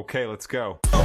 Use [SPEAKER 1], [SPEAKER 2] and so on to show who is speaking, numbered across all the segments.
[SPEAKER 1] Okay, let's go.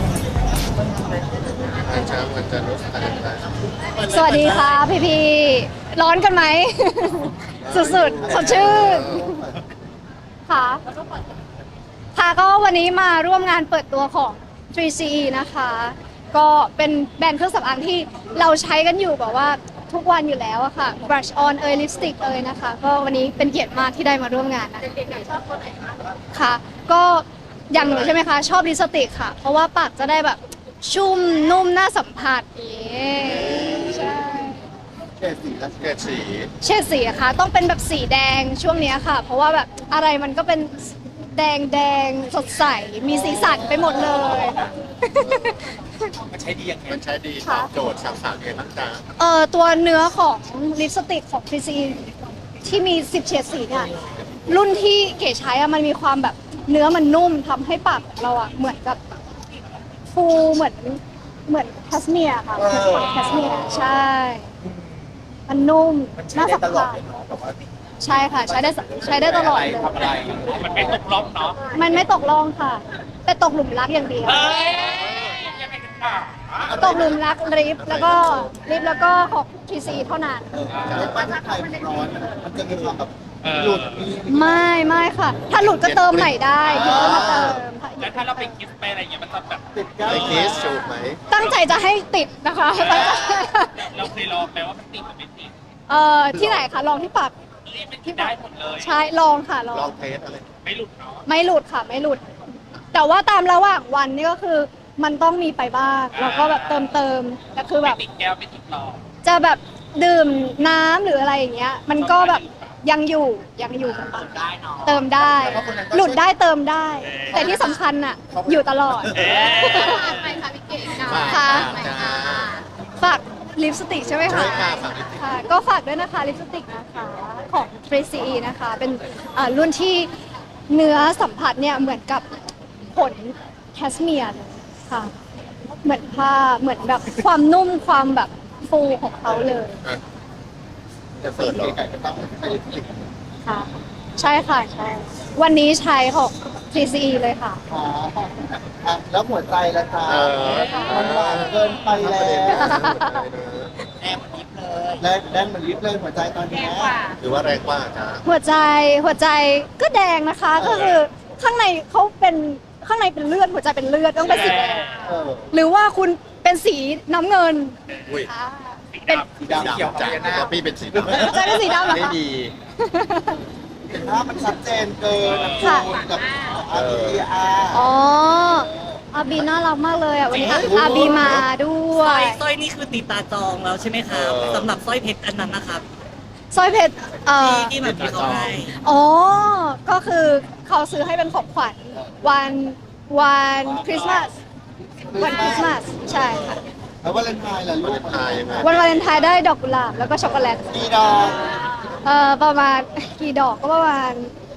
[SPEAKER 2] อาจารย์มันจะรู้สึกอะไรบ้าง
[SPEAKER 3] สวัสดีค่ะพี่ร้อนกันไหม สุดๆสดชื่นค่ะค่ะก็วันนี้มาร่วมงานเปิดตัวของ 3CE นะคะ ก็เป็นแบรนด์เครื่องสำอางที่เราใช้กันอยู่แบบว่าทุกวันอยู่แล้วอะค่ะ brush on ลิปสติกนะคะ ก็วันนี้เป็นเกียรติมากที่ได้มาร่วมงานนะค่ะ ก็อย่างหนูใช่ไหมคะ ชอบลิปสติกค่ะ เพราะว่าปากจะได้แบบชุ่มนุ่มน่าสัมผัสใช่
[SPEAKER 2] เกรดสีและเกรดสี
[SPEAKER 3] เฉดสีอะคะต้องเป็นแบบสีแดงช่วงเนี้ยค่ะ เพราะว่าแบบอะไรมันก็เป็นแดงสดใสมีสีสันไปหมดเลย
[SPEAKER 4] มันใช้ดียังไง
[SPEAKER 2] มันใช้ดีตอบโจทย์สาวๆไงบ้างจ๊ะ
[SPEAKER 3] ตัวเนื้อของลิปสติกของ 3CE ที่มี 10 เฉดสีเนี่ยรุ่นที่เก๋ใช้อะมันมีความแบบเนื้อมันนุ่มทำให้ปากของเราอะเหมือนกับฟูเหมือนแคสเมียร์ค่ะเหมือนของแคสเมียร์ใช่ มันนุ่ม
[SPEAKER 4] มันใช้
[SPEAKER 3] น่า
[SPEAKER 4] ได้
[SPEAKER 3] สัม
[SPEAKER 4] ตลอ
[SPEAKER 3] ผั
[SPEAKER 4] ด
[SPEAKER 3] ส
[SPEAKER 4] เลยเนาะแบบว่า
[SPEAKER 3] ใช่ค่ะ ใช้ได้ตลอดเลย
[SPEAKER 4] ทำอะไรมันไม่ตกล็อกเนาะ
[SPEAKER 3] มันไม่ตกลงค่ะ แต่ตกหลุมรักอย่างเดียว
[SPEAKER 4] ยังไงกันต่อ
[SPEAKER 3] ตกหลุมรักลิฟต์แล้วก็ของ 3CE เท่านั้น
[SPEAKER 2] แล้วบ้านไทยมันร้อนมันจะมีความแบบหลุดมี
[SPEAKER 3] ไม่ค่ะ ถ้าหลุดก็เติมใหม่ได้หยุดก็มาเติมค่ะ
[SPEAKER 4] แล้วถ้าเราไปกิฟต์ไปอะไรอย่างเงี้ยมันจะแบบ
[SPEAKER 2] ติดกันไอเคสจูบไหม
[SPEAKER 3] ตั้งใจจะให้ติดนะคะ
[SPEAKER 4] เราเคยลองไหมว่ามันติดหรือไม่ติด
[SPEAKER 3] ที่ไหนคะลองที่ปาก
[SPEAKER 4] ไม่ติดได้หมดเลย
[SPEAKER 3] ใช่ลองค่ะลอ
[SPEAKER 2] ลอง งเทสอะไร
[SPEAKER 4] ไม่หลุดเนาะ
[SPEAKER 3] ไม่หลุดค่ะไม่หลุด แต่ว่าตามระหว่างวันนี่ก็คือมันต้องมีไปบ้างแล้วก็แบบเติมแต่คือแบ
[SPEAKER 4] ไม่
[SPEAKER 3] บ
[SPEAKER 4] ติดแก้วไม่ติดหลอด
[SPEAKER 3] จะแบบดื่มน้ำหรืออะไรอย่างเงี้ย มันก็แบบยังอยู่กับปาก
[SPEAKER 4] ได้เนาะ
[SPEAKER 3] เติมได้ หลุดได้เติมได้ แต่ที่สำคัญน่ะอยู่ตลอด
[SPEAKER 2] ฝาก
[SPEAKER 3] ค่ะ
[SPEAKER 2] จ้า
[SPEAKER 3] ฝากลิปสติกใช่ไหมคะ
[SPEAKER 2] ใช่ค่ะฝากลิปสติก
[SPEAKER 3] ค่ะก็ฝากด้วยนะคะลิปสติกนะคะของ 3CE นะคะ เป็นรุ่นที่เนื้อสัมผัสเนี่ยเหมือนกับขนแคสเมียร์เลยค่ะ เหมือนผ้าเหมือนแบบความนุ่มความแบบฟูของเขาเลย
[SPEAKER 2] อ่ะจะเสิร์ฟไก่ก็ต้องใช้ลิปสติก
[SPEAKER 3] ค่ะ ใช่ค่ะใช่วันนี้ใช้ของ 3CE เลยค่ะ
[SPEAKER 5] อ๋ออ่ะแล้วหัวใจล่ะคะ มันหวานเกินไปแล้ว
[SPEAKER 4] แอบยิบเลย
[SPEAKER 5] และแดนเหมือนลิฟต์เลยหัวใจตอนเนี้ย
[SPEAKER 2] หรือว่าแรงกว่าจ้า
[SPEAKER 3] หัวใจก็แดงนะคะ ก็คือข้างในเขาเป็นข้างในเป็นเลือดหัวใจเป็นเลือดต้องเป็นสีแดง
[SPEAKER 5] เออ
[SPEAKER 3] หรือว่าคุณเป็นสีน้ำเงิน
[SPEAKER 2] อุ้ย
[SPEAKER 3] ค่ะ
[SPEAKER 4] สี
[SPEAKER 3] เป็น
[SPEAKER 4] ดำ
[SPEAKER 5] สีดำ
[SPEAKER 4] เขียว
[SPEAKER 2] จ้า
[SPEAKER 4] พญานา
[SPEAKER 2] แต่
[SPEAKER 4] ค
[SPEAKER 2] พี่เป็นสีดำ
[SPEAKER 3] หัวใจเป็นสีดำเหรอ
[SPEAKER 2] ไม่
[SPEAKER 3] คะ
[SPEAKER 2] ดี
[SPEAKER 5] เห็นภาพมันชัดเจนเกิน
[SPEAKER 3] ค่ะ
[SPEAKER 5] คูณกับอาร์บีอา
[SPEAKER 3] อ๋ออาบีน่ารักมากเลยอ่ะวันนี้อาบีมาด้ว
[SPEAKER 6] สร้อย ยสร้อยนี่คือตีตาจองแล้วใช่ไหมครับสำหรับสร้อยเพชรอันนั้นนะครับ
[SPEAKER 3] สร้อยเพชร
[SPEAKER 6] ที่แบบที่เขาให้
[SPEAKER 3] อ๋อก็คือเขาซื้อให้เป็นของขวัญวันคริสต์มาสวันคริสต์มาสใช่ค่ะ
[SPEAKER 5] แล้ววาเลนไทน์ล่ะลู
[SPEAKER 2] วาเล
[SPEAKER 5] ก
[SPEAKER 2] นไทน์ยังไง
[SPEAKER 3] วันวาเลนไทน์ได้ดอกกุหลาบแล้วก็ช็อกโกแลต
[SPEAKER 5] กี่ดอก
[SPEAKER 3] ประมาณกี่ดอกก็ประมาณ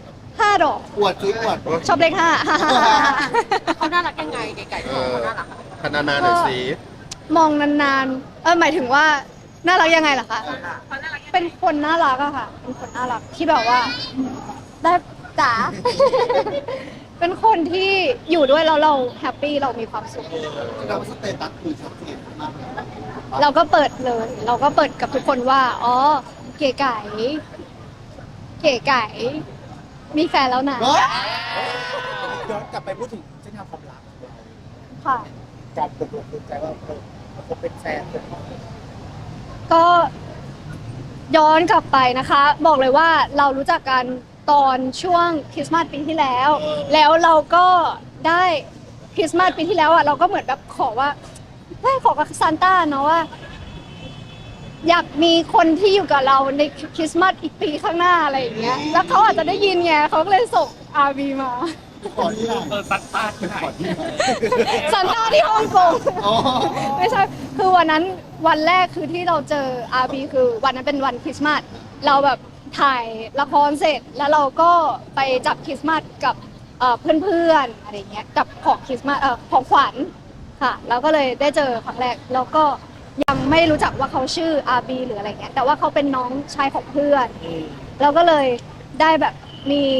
[SPEAKER 3] 5 ดอก
[SPEAKER 5] อวดซื้ออวด
[SPEAKER 3] ชอบเลข5
[SPEAKER 7] เขาน่ารักยังไงไก่
[SPEAKER 2] เอ
[SPEAKER 7] ของ
[SPEAKER 2] อ
[SPEAKER 7] เขาน่ารักอะ
[SPEAKER 2] พนานาหน่อยสิ
[SPEAKER 3] มองนานๆหมายถึงว่าน่ารักยังไงล่ะคะเป็นคนน่ารักอะค่ะเป็นคนน่ารักที่แบบว่าได้จ๋า เป็นคนที่อยู่ด้วยแล้วเราแฮปปี้เรามีความสุข
[SPEAKER 5] เราสเตตัสคือชัดเจนมาก
[SPEAKER 3] เราก็เปิดเลย เราก็เปิดกับทุกคนว่า อ๋อ เก๋ไก่ มีแฟนแล้วนะ
[SPEAKER 5] เฮ้ย
[SPEAKER 4] ย้อนกลับไปพูดถึงเส้นทางความรักของเรา
[SPEAKER 3] ค่ะ
[SPEAKER 4] การตกลงปลงใจว่าเราเป็นแฟนเป็น
[SPEAKER 3] ก็ย้อนกลับไปนะคะ บอกเลยว่าเรารู้จักกันตอนช่วงคริสต์มาสปีที่แล้ว แล้วเราก็ได้คริสต์มาสปีที่แล้วอ่ะเราก็เหมือนแบบขอว่าขอกับซานต้าเนาะว่า อยากมีคนที่อยู่กับเราในคริสต์มาสอีกปีข้างหน้าอะไรอย่างเงี้ย แล้วเขาอาจจะได้ยินไงเขาก็เลยส่งอาร์บีมา
[SPEAKER 5] ขอที่ไหน
[SPEAKER 4] ซัดตาที่ไหน
[SPEAKER 5] ขอที่ไหน
[SPEAKER 3] ซานต้าที่ฮ่องกง
[SPEAKER 5] อ๋อ
[SPEAKER 3] ไม่ใช่ คือวันนั้นวันแรกคือที่เราเจออาร์บีคือวันนั้นเป็นวันคริสต์มาส เราแบบถ่ายละครเสร็จ แล้วเราก็ไปจับคริสต์มาสกับเพื่อนๆอะไรเงี้ย กับของคริสต์มาสของขวัญค่ะ แล้วก็เลยได้เจอครั้งแรก แล้วก็ยังไม่รู้จักว่าเขาชื่ออาร์บีหรืออะไรเงี้ย แต่ว่าเขาเป็นน้องชายของเพื่อน เราก็เลยได้แบบมี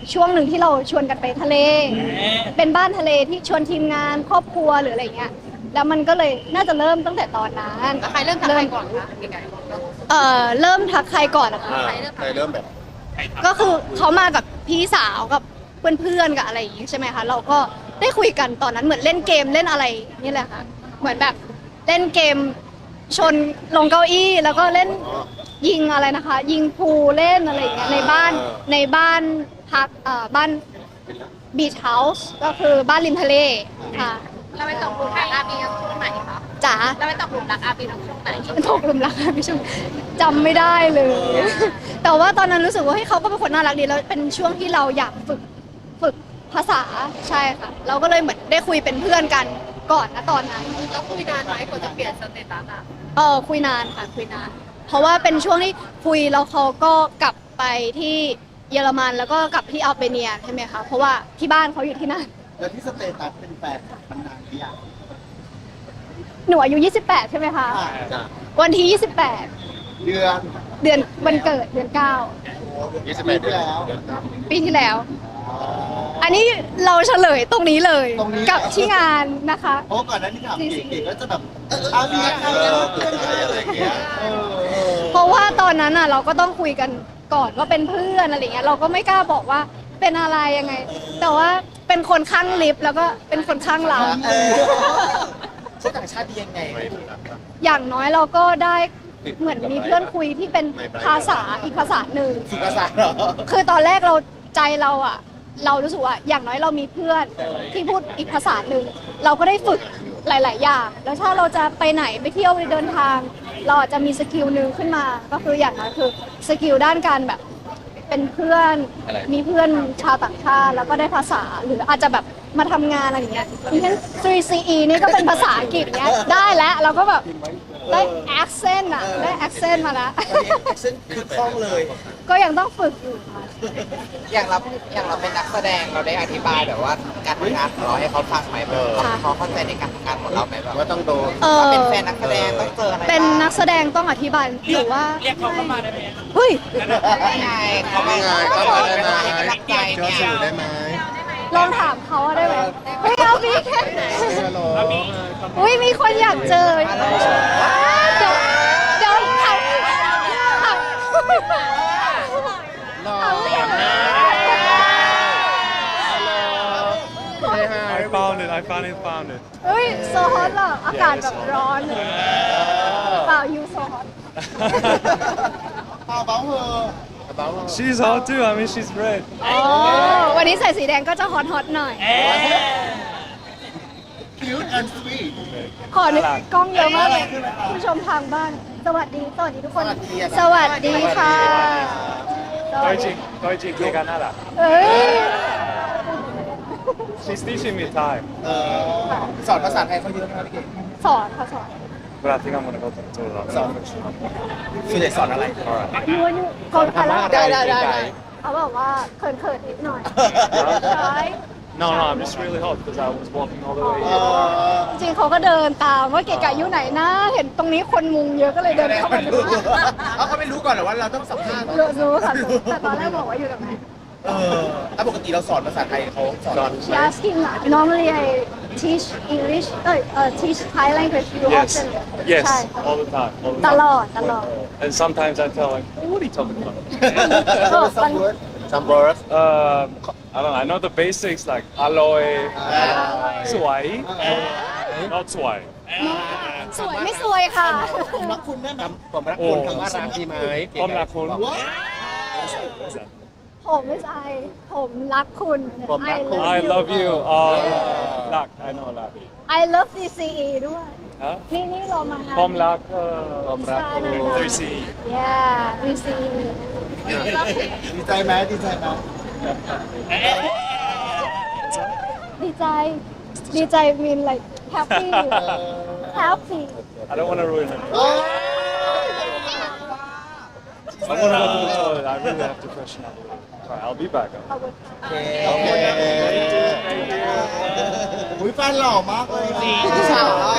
[SPEAKER 3] ช่วงหนึ่งที่เราชวนกันไปทะเล เป็นบ้านทะเลที่ชวนทีมงานครอบครัวหรืออะไรเงี้ยแล้วมันก็เลยน่าจะเริ่มตั้งแต่ตอนนั้น
[SPEAKER 7] แล้วใครเริ่มทำอะไรก่อนคะไก่
[SPEAKER 3] เริ่มทักใครก่อนอะคะ
[SPEAKER 2] ใครเริ่มแบบ
[SPEAKER 3] ก็คือเขามากับพี่สาวกับเพื่อนๆกับอะไรอย่างงี้ใช่ไหมคะเราก็ได้คุยกันตอนนั้นเหมือนเล่นเกมเล่นอะไรนี่แหละค่ะเหมือนแบบเล่นเกมชนลงเก้าอี้แล้วก็เล่นยิงอะไรนะคะ ยิงพูลเล่นอะไรอย่างเงี้ยในบ้านพักบ้านบีชเฮาส์ก็คือบ้านริมทะเลค่ะ
[SPEAKER 7] เราไปตกหลุมรักอาบีช่วงไหนคะ
[SPEAKER 3] จ๋า
[SPEAKER 7] เราไปตกหลุมรักอาบีช่วงไหน
[SPEAKER 3] ตกหลุมรักพี่ชมจำไม่ได้เลย แต่ว่าตอนนั้นรู้สึกว่าเฮ้ยเขาก็เป็นคนน่ารักดีแล้วเป็นช่วงที่เราอยากฝึกภาษาใช่ค่ะ เราก็เลยเหมือนได้คุยเป็นเพื่อนกันก่อนนะตอนนั้น
[SPEAKER 7] เราคุยนานไหมกว่าจะเปลี่ยนสเตตัสอ่ะ
[SPEAKER 3] คุยนานค่ะคุยนาน เพราะว่าเป็นช่วงที่คุยแล้วเขาก็กลับไปที่เยอรมันแล้วก็กลับที่อัลเบเนียใช่ไหมคะเพราะว่าที่บ้านเขาอยู่ที่นั่น
[SPEAKER 2] แล้วที่สเตตัสเป็นแฟนมันนานหรือยัง
[SPEAKER 3] หนูอายุ 28 ใช่ไหมคะ
[SPEAKER 2] จ้ะ
[SPEAKER 3] วันที่
[SPEAKER 2] เดือน
[SPEAKER 3] 28 เดือนวันเกิดเดือน
[SPEAKER 2] 28 เดือนแล้ว
[SPEAKER 3] 9 ปีที่แล้ว อันนี้เราเฉลยตรงนี้เลย
[SPEAKER 2] ตรงนี้
[SPEAKER 3] กับที่งานนะคะ
[SPEAKER 2] เพราะก่อนหนั้นที่ถามเก๋ๆก็จะแบบเอาเมียใครแล้วเพื่อนใครอะไรอย่างเงี้ย
[SPEAKER 3] เพราะว่าตอนนั้นอ่ะเราก็ต้องคุยกันก่อนว่าเป็นเพื่อนอะไรเงี้ยเราก็ไม่กล้าบอกว่าเป็นอะไรยังไง แต่ว่าเป็นคนข้างลิฟต์แล้วก็เป็นคนข้างเรา
[SPEAKER 4] คนต่างชาติดียังไง
[SPEAKER 3] อย่างน้อยเราก็ได้เหมือนมีเพื่อนคุยที่เป็นภาษาอีกภาษาหนึ่ง
[SPEAKER 4] สุภาษาเหรอ
[SPEAKER 3] คือตอนแรกเราใจเราอ่ะ เรารู้สึกว่าอย่างน้อยเรามีเพื่อนที่พูดอีกภาษาหนึ่งเราก็ได้ฝึกหลาย ๆ อย่าง แล้วถ้าเราจะไปไหนไปเที่ยวไปเดินทาง เราอาจจะมีสกิลหนึ่งขึ้นมา ก็คืออย่างน้อยคือสกิลด้านการแบบเป็นเพื่อนมีเพื่อนชาวต่างชาติแล้วก็ได้ภาษาหรืออาจจะแบบมาทำงานอะไรอย่างเงี้ยอย่างเช่น 3CE นี่ก็เป็นภาษาอังกฤษเนี้ยได้แล้วเราก็แบบได้ accent อ่ะได้ accent มาแล้ว
[SPEAKER 4] ซึ่งคือคล่องเลย
[SPEAKER 3] ก็ยังต้องฝึกอยู่ค่ะ
[SPEAKER 1] อย่างเราเป็นนักแสดงเราได้อธิบายแบบว่าการทำงานของเราให้เขาฟังไหมแบบเขาเข้าใจในการทำงานของเราไหมแบบ
[SPEAKER 2] ว่าต้องโดน
[SPEAKER 1] ว่าเป็นแฟนนักแสดงต้องเจออะไร
[SPEAKER 3] เป็นนักแสดงต้องอธิบายหรือว่า
[SPEAKER 6] เรียกเขาเข้ามาได้ไหม
[SPEAKER 3] เฮ้ย
[SPEAKER 1] ได้ไงเขาไม่
[SPEAKER 2] ได้ไงเข้ามาได้ไหม
[SPEAKER 1] ให้กำลังใจ
[SPEAKER 2] เจอ
[SPEAKER 1] เนี่ย
[SPEAKER 2] สื่อได้ไหม
[SPEAKER 3] ลองถามเขาอะได้ไหมไม่เอาพี่แค่
[SPEAKER 2] ฮัลโหล
[SPEAKER 3] อุ้ยมีคนอยากเจอเดี๋ยวถาม
[SPEAKER 2] หล่อนะฮัลโหล Say hi
[SPEAKER 8] I finally found it.
[SPEAKER 3] เฮ้ยโซฮอตเหรออากาศแบบร้อนเลยเปล่ายูโซฮอต
[SPEAKER 2] How about her about her
[SPEAKER 8] She's hot too. I mean, she's red.
[SPEAKER 3] วันนี้ใส่สีแดงก็จะฮอตหน่อย
[SPEAKER 2] cute and sweet
[SPEAKER 3] ขอนึกกล้องเยอะมากเลยผู้ชมทางบ้าน สวัสดีทุกคน สวัสดีค่ะ
[SPEAKER 8] Deutsche Geganara.
[SPEAKER 3] เอ้ย
[SPEAKER 8] She's teaching me Thai,
[SPEAKER 4] สอนภาษาไทยเขาเยอะมากพี่เก๋
[SPEAKER 3] สอนค่ะสอน
[SPEAKER 8] but I think I'm gonna go to the
[SPEAKER 4] สอนส่วนใหญ่สอนอะไร
[SPEAKER 3] ยูเขาทำแล้ว
[SPEAKER 4] ได้
[SPEAKER 3] เขาบอกว่าเขินๆนิดหน่อยใช่
[SPEAKER 8] No, I'm just really hot because I was walking all the way
[SPEAKER 2] เอ
[SPEAKER 8] here.
[SPEAKER 3] จริงๆเขาก็เดินตามว่าเก๋ไก่อยู่ไหนนะเห็นตรงนี้คนมุงเยอะก็เลยเดินเข้ามาดู
[SPEAKER 4] เขาไม่รู้ก่อนเหรอว่าเราต้องสัมภาษณ์
[SPEAKER 3] รู้ค่ะแต่ตอนแรกบอกว่าอยู่ตรงไหน
[SPEAKER 4] แล้วปกติเราสอนภาษาไทยเขาสอน
[SPEAKER 3] She asking normally I teach English teach Thai language you
[SPEAKER 8] Yes,
[SPEAKER 3] often
[SPEAKER 8] yes,
[SPEAKER 3] ใช่
[SPEAKER 8] all the time.
[SPEAKER 3] ตลอด
[SPEAKER 8] And sometimes I tell like, what are you talking about?
[SPEAKER 3] ก็มัน
[SPEAKER 2] some words
[SPEAKER 8] I don't know. I know the basics like aloe, swai, not swai.
[SPEAKER 3] สวยไม่สวยค่ะ
[SPEAKER 2] ผมรักคุณได้ไหม
[SPEAKER 4] ผมรักคุณคำว่ารักดีไหม
[SPEAKER 8] Om lakun.
[SPEAKER 3] ผมไม่ใช่ผมรักคุณ
[SPEAKER 8] I love you. Lak. I know lak.
[SPEAKER 3] I love DCE ด้วย
[SPEAKER 8] Huh?
[SPEAKER 3] นี่เรามา
[SPEAKER 8] Om lak. Om
[SPEAKER 3] lak.
[SPEAKER 8] 3C.
[SPEAKER 3] Yeah DCE
[SPEAKER 2] ดีใจไหมดีใจไหม
[SPEAKER 3] ดีใจ mean like happy happy
[SPEAKER 8] I don't want to ruin it.
[SPEAKER 2] โอ้ย
[SPEAKER 8] I want to go to the toilet. I really have to freshen up. Alright, I'll be back.
[SPEAKER 3] ขอบคุณ
[SPEAKER 2] โอเคอุ้ยแฟนหล่อมากเลยสาวอ่ะ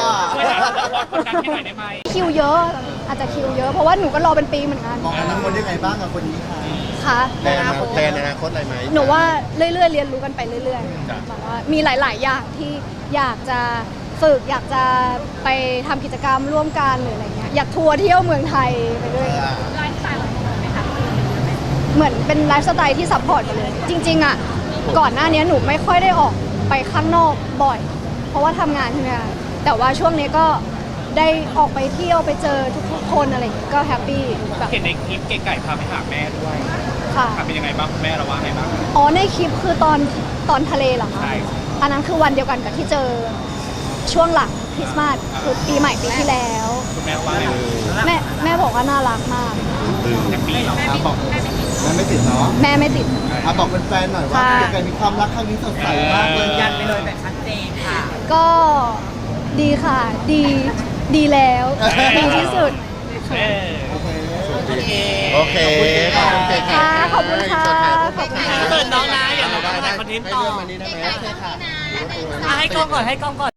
[SPEAKER 3] คิวเยอะอาจจะคิวเยอะเพราะว่าหนูก็รอเป็นปีเหมือนกัน
[SPEAKER 2] มองอนาคตยังไงบ้างกับคนนี้คะ
[SPEAKER 3] คะ
[SPEAKER 2] แทนอนาคตอะไรไหม
[SPEAKER 3] หนูว่าเรื่อยๆเรียนรู้กันไปเรื่อยๆแบบว่ามีหลาย ๆ อย่างที่อยากจะฝึกอยากจะไปทำกิจกรรมร่วมกันหรืออะไรเงี้ยอยากทัวร์เที่ยวเมืองไทยไปด้วย
[SPEAKER 7] ไลฟ์สไตล์เราเป็นไหมคะ
[SPEAKER 3] เหมือนเป็นไลฟ์สไตล์ที่ซัพพอร์ตกันเลย จริง ๆ อ่ะ ก่อนหน้านี้หนูไม่ค่อยได้ออกไปข้างนอกบ่อย เพราะว่าทำงานใช่ไหมคะแต่ว่าช่วงนี้ก็ได้ออกไปเที่ยวไปเจอทุกๆคนอะไรอย่างเงี้ยก็แฮปปี้แบบ
[SPEAKER 4] เห็นในคลิปเก๋ไก่พาไปหาแม่ด้วย
[SPEAKER 3] ค่ะ
[SPEAKER 4] เป็นยังไงบ้างแม่เราว่าไงบ้าง
[SPEAKER 3] อ๋อในคลิปคือตอนทะเลเหรอคะ
[SPEAKER 4] ใช่
[SPEAKER 3] อันนั้นคือวันเดียวกันกับที่เจอช่วงหลังคริสต์มาสคือปีใหม่ปีที่แล้ว
[SPEAKER 4] คุณแม่ว่าไง
[SPEAKER 3] แม่บอกว่าน่ารักมาก
[SPEAKER 4] แฮปปี้เหรอ
[SPEAKER 5] บอกมันไม่ติดเนาะ
[SPEAKER 3] แม่ไม่ติด
[SPEAKER 5] บอกแฟนๆหน่อยว่า
[SPEAKER 3] ค่ะ
[SPEAKER 5] เก๋ไก่มีความรักครั้งนี้สดใสมากเลย
[SPEAKER 6] ยันไปเลยแบบชัดเจนค่ะ
[SPEAKER 3] ก็ดีค่ะ ดีแล้วดีที่สุด
[SPEAKER 2] โอเคขอบคุณเก๋ไก่
[SPEAKER 3] ค่ะขอบคุณค่ะ
[SPEAKER 6] เปิดน้องนะอย่ามาถ่ายคอนเทนต์ต่อ
[SPEAKER 2] ให้เรื่องมานี้ได้ไหม
[SPEAKER 6] ให้กล้องก่อน